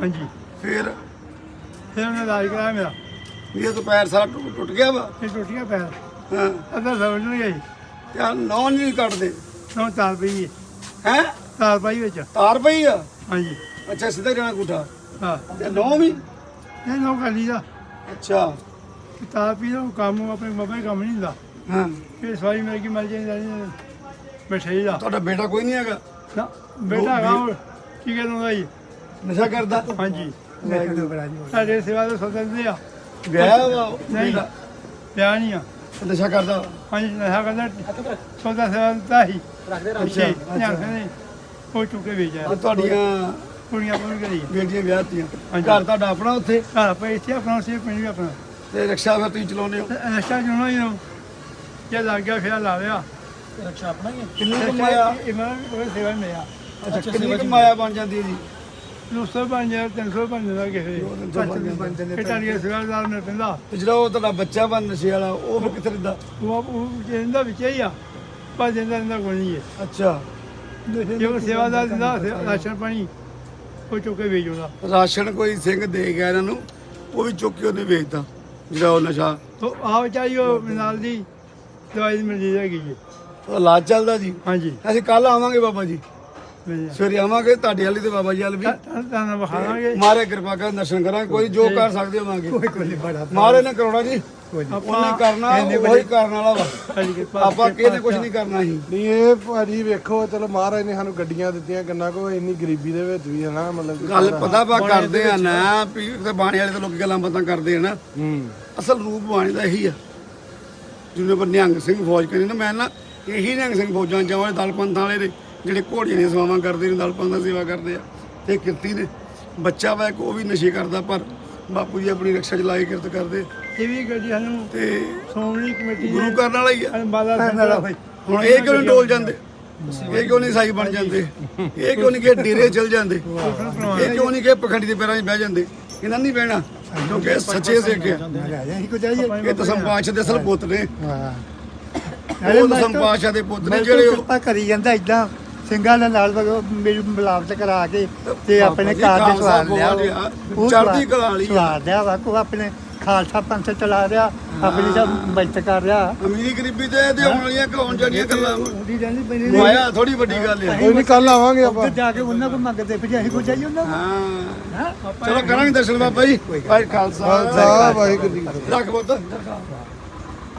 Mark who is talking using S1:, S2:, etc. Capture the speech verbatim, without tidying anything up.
S1: ਹਾਂਜੀ
S2: ਫਿਰ
S1: ਫਿਰ ਉਹਨੇ ਇਲਾਜ ਕਰਾਇਆ ਮੇਰਾ।
S2: ਇਹ ਤਾਂ ਪੈਰ ਸਾਰਾ ਟੁੱਟ ਟੁੱਟ ਗਿਆ ਵਾ।
S1: ਇਹ ਟੁੱਟ ਗਿਆ ਪੈਰ,
S2: ਹਾਂ
S1: ਅੱਧਾ ਸਮਝ ਨਹੀਂ ਗਈ।
S2: ਤੇ ਆਹ ਨੌਂ ਨਹੀਂ ਕੱਟਦੇ
S1: ਨੌ ਤਾਰ ਪਈ ਹੈ,
S2: ਹੈ
S1: ਤਾਰ ਪਾਈ ਵਿੱਚ।
S2: ਤਾਰ ਪਈ ਆ।
S1: ਹਾਂਜੀ
S2: ਅੱਛਾ ਸਿੱਧਾ ਜਾਣਾ ਅੰਗੂਠਾ
S1: ਹਾਂ,
S2: ਤੇ ਨੌਂ ਵੀ।
S1: ਇਹ ਨੌ ਕਰ ਲਈ ਦਾ
S2: ਅੱਛਾ
S1: ਤਾਰ ਪਈ ਦਾ ਕੰਮ ਆਪਣੇ ਬਾਬਾ ਕੰਮ ਨਹੀਂ ਹੁੰਦਾ।
S2: ਹਾਂ
S1: ਇਹ ਸਵਾਈ ਮੇਰੇ ਕੀ ਮਿਲ ਜਾਂਦੀ ਬੈਠੇ ਦਾ
S2: ਤੁਹਾਡਾ ਬੇਟਾ ਕੋਈ ਨਹੀਂ ਹੈਗਾ?
S1: ਨਾ ਬੇਟਾ ਹੈਗਾ ਉਹ ਕੀ ਕਹਿੰਦਾ ਜੀ।
S2: ਨਸ਼ਾ ਕਰਦਾ?
S1: ਹਾਂਜੀ ਸਾਡੇ ਸੇਵਾ ਦੇ ਸੋਚਦੇ ਆ
S2: ਵਿਆਹ ਵਾ
S1: ਨਹੀਂ
S2: ਬੇਟਾ?
S1: ਪਿਆ ਨਹੀਂ ਆ।
S2: ਨਸ਼ਾ ਕਰਦਾ?
S1: ਹਾਂਜੀ ਨਸ਼ਾ ਕਰਦਾ ਸੌਦਾ ਸੇਵਾ ਦਿੱਤਾ ਸੀ ਅੱਛਾ ਨੇ ਉਹ ਚੁੱਕੇ ਵੇਚਿਆ।
S2: ਤੇ ਤੁਹਾਡੀਆਂ
S1: ਕੁੜੀਆਂ ਕੋਲ ਕਰੀ
S2: ਬੇਟੀਆਂ ਵਿਆਹਤੀਆਂ?
S1: ਹਾਂਜੀ।
S2: ਘਰ ਤੁਹਾਡਾ ਆਪਣਾ ਉੱਥੇ?
S1: ਘਰ ਪਏ ਇੱਥੇ ਆਪਣਾ ਸੀ ਪਿੰਡ ਵੀ ਆਪਣਾ।
S2: ਤੇ ਰਿਕਸ਼ਾ ਫਿਰ ਤੁਸੀਂ ਚਲਾਉਂਦੇ ਹੋ?
S1: ਐਸਾ ਜੁਣਾ ਹੀ ਨੂੰ ਜੇ ਲੱਗ ਗਿਆ ਫਿਰ ਲਾ ਲਿਆ।
S3: ਰਕਸ਼ਾ ਆਪਣਾ ਹੀ ਹੈ।
S2: ਕਿੰਨੀ ਕਮਾਇਆ?
S1: ਇਹ ਮੈਂ ਉਹ ਸੇਵਾ ਹੀ ਮਿਲਿਆ।
S2: ਅੱਛਾ ਕਿੰਨੀ ਕਮਾਇਆ ਬਣ ਜਾਂਦੀ ਹੈ ਜੀ?
S1: ਦੋ ਸੌ ਪੰਜ ਹਜ਼ਾਰ ਤਿੰਨ ਸੌ ਪੰਜ ਦਾ ਕਿਸੇ ਇਹ ਟਾਲੀਆਂ ਸੇਵਾਦਾਰ ਨੇ ਪੈਂਦਾ।
S2: ਤੇ ਜਿਹੜਾ ਉਹ ਤੁਹਾਡਾ ਬੱਚਾ ਵਾ ਨਸ਼ੇ ਵਾਲਾ ਉਹ ਫਿਰ ਕਿੱਥੇ ਰਹਿੰਦਾ?
S1: ਉਹ ਉਹ ਜਿੰਦਾ ਵਿੱਚ ਹੀ ਆ ਪਰ ਜਿੰਦਾ ਜਿੰਦਾ ਕੋਈ ਨਹੀਂ ਹੈ।
S2: ਅੱਛਾ
S1: ਜੇ ਉਹ ਸੇਵਾਦਾਰ ਦਿੰਦਾ ਰਾਸ਼ਨ ਪਾਣੀ ਉਹ ਚੁੱਕੇ ਵੇਚ ਉਹਦਾ।
S2: ਰਾਸ਼ਨ ਕੋਈ ਸਿੰਘ ਦੇ ਗਿਆ ਇਹਨਾਂ ਨੂੰ, ਉਹ ਵੀ ਚੁੱਕ ਕੇ ਉਹਨੇ ਵੇਚਦਾ ਜਿਹੜਾ ਉਹ ਨਸ਼ਾ।
S1: ਤੋ ਆਹ ਚਾਹੀ ਉਹ ਨਾਲ ਦੀ ਦਵਾਈ ਮਿਲ ਜਾਏਗੀ ਜੀ।
S2: ਉਹ ਇਲਾਜ ਚੱਲਦਾ ਜੀ?
S1: ਹਾਂਜੀ
S2: ਅਸੀਂ ਕੱਲ ਆਵਾਂਗੇ ਬਾਬਾ ਜੀ,
S1: ਮਿਲ
S2: ਸਵੇਰੇ ਆਵਾਂਗੇ ਤੁਹਾਡੇ ਵਾਲੀ ਤੇ ਬਾਬਾ ਜੀ ਵਾਲ ਵੀ।
S1: ਤੁਹਾਨੂੰ ਵਿਖਾਵਾਂਗੇ।
S2: ਮਾਰੇ ਕਿਰਪਾ ਕਰ ਦਰਸ਼ਨ ਕਰਾਂਗੇ, ਕੋਈ ਜੋ ਕਰ ਸਕਦੇ ਹੋਵਾਂਗੇ।
S1: ਬੜਾ
S2: ਮਾਰੇ ਨੇ ਕਰਾਉਣਾ ਜੀ, ਉਹਨੇ ਕਰਨਾ, ਉਹੀ ਕਰਨ ਵਾਲਾ ਵਾ। ਆਪਾਂ ਕਿਹਨੇ ਕੁਝ ਨਹੀਂ ਕਰਨਾ ਸੀ।
S4: ਨਹੀਂ ਇਹ ਭਾਜੀ ਵੇਖੋ ਚਲੋ ਮਹਾਰਾਜ ਨੇ ਸਾਨੂੰ ਗੱਡੀਆਂ ਦਿੱਤੀਆਂ ਕਿੰਨਾ ਕੋ ਇੰਨੀ ਗਰੀਬੀ ਦੇ ਵਿੱਚ ਵੀ ਹੈ ਨਾ ਮਤਲਬ ਕਿ
S2: ਗੱਲ ਪਤਾ ਵਾ ਕਰਦੇ ਆ ਨਾ ਵੀ ਤੇ ਬਾਣੇ ਵਾਲੇ ਤਾਂ ਲੋਕੀ ਗੱਲਾਂ ਬਾਤਾਂ ਕਰਦੇ ਆ ਨਾ।
S4: ਹੂੰ
S2: ਅਸਲ ਰੂਪ ਬਾਣੇ ਦਾ ਇਹੀ ਆ ਜਿਹਨੇ ਪਰ ਨਿਹੰਗ ਸਿੰਘ ਫੌਜ ਕਹਿੰਦੇ ਨਾ। ਮੈਂ ਨਾ ਇਹੀ ਨਿਹੰਗ ਸਿੰਘ ਫੌਜਾਂ ਚਾਵਾਂ ਦਲ ਪੰਥਾਂ ਵਾਲੇ ਨੇ ਜਿਹੜੇ ਘੋੜੀਆਂ ਦੀਆਂ ਸੇਵਾਵਾਂ ਕਰਦੇ ਨੇ, ਦਲ ਪੰਥ ਦਾ ਸੇਵਾ ਕਰਦੇ ਆ। ਤੇ ਕਿਰਤੀ ਨੇ ਬੱਚਾ ਵਾ ਇੱਕ ਉਹ ਵੀ ਨਸ਼ੇ ਕਰਦਾ, ਪਰ ਬਾਪੂ ਜੀ ਆਪਣੀ ਰਕਸ਼ਾ ਚਲਾਈ ਕਿਰਤ ਕਰਦੇ।
S1: ਇਹ ਵੀ ਗੱਡੀ ਸਾਨੂੰ
S2: ਤੇ
S1: ਸ਼੍ਰੋਮਣੀ ਕਮੇਟੀ
S2: ਗੁਰੂ ਕਰਨ ਵਾਲਾ ਹੀ ਆ।
S1: ਬਾਲਾ
S2: ਹੁਣ ਇਹ ਕਿਉਂ ਨਹੀਂ ਡੋਲ ਜਾਂਦੇ? ਇਹ ਕਿਉਂ ਨਹੀਂ ਸਾਈ ਬਣ ਜਾਂਦੇ? ਇਹ ਕਿਉਂ ਨਹੀਂ ਕਿ ਡੇਰੇ ਚਲ ਜਾਂਦੇ? ਇਹ ਕਿਉਂ ਨਹੀਂ ਕਿ ਪਖੰਡੀ ਦੇ ਪੈਰਾਂ 'ਚ ਬਹਿ ਜਾਂਦੇ? ਇਹਨਾਂ ਨਹੀਂ ਬਹਿਣਾ ਕਿਉਂਕਿ ਇਹ ਸੱਚੇ ਸਿੱਖ ਆ। ਇਹ ਦਸਮ ਪਾਤਸ਼ਾਹ ਦੇ ਅਸਲ ਪੁੱਤ ਨੇ। ਉਹ ਦਸਮ ਪਾਤਸ਼ਾਹ ਦੇ ਪੁੱਤ ਨੇ ਜਿਹੜੇ ਉਹ
S5: ਕਿਰਪਾ ਕਰੀ ਜਾਂਦਾ ਇਦਾਂ ਸਿੰਘਾਂ ਦੇ ਨਾਲ ਮੇਰੀ ਮਿਲਾਵਟ ਕਰਾ ਕੇ ਤੇ ਆਪਣੇ ਘਰ ਦੇ ਸਵਾਰ ਲਿਆ। ਉਹ
S2: ਚੜ੍ਹਦੀ ਕਲਾ ਵਾਲੀ ਆ।
S5: ਸਵਾਰ ਲਿਆ ਵਾ ਕੋ ਆਪਣੇ ਖਾਲਸਾ ਪੰਥ ਚਲਾ ਰਿਹਾ, ਆਪਣੀ ਸਭ ਬਚਤ ਕਰ ਰਿਹਾ।
S2: ਅਮੀਰੀ ਗਰੀਬੀ ਤੇ ਇਹਦੇ ਆਉਣ ਵਾਲੀਆਂ ਕਲਾਉਣ ਜਿਹੜੀਆਂ ਗੱਲਾਂ
S5: ਉਹਦੀ ਰਹਿੰਦੀ ਪੈਣੀ
S2: ਮਾਇਆ ਥੋੜੀ ਵੱਡੀ ਗੱਲ ਆ।
S4: ਕੋਈ ਨਹੀਂ ਕੱਲ ਆਵਾਂਗੇ ਆਪਾਂ।
S5: ਉੱਧਰ ਜਾ ਕੇ ਉਹਨਾਂ ਕੋਲ ਮੰਗਦੇ ਫਿਰ ਅਸੀਂ ਕੋ ਜਾਈਏ ਉਹਨਾਂ ਕੋਲ।
S2: ਹਾਂ ਚਲੋ ਕਰਾਂਗੇ ਦਰਸ਼ਨ ਬਾਬਾ ਜੀ। ਭਾਈ ਖਾਲਸਾ
S4: ਸਾਹਿਬ ਵਾਹਿਗੁਰੂ ਜੀ ਕੀ ਫਤਿਹ।
S2: ਰੱਖ ਪੁੱਤ।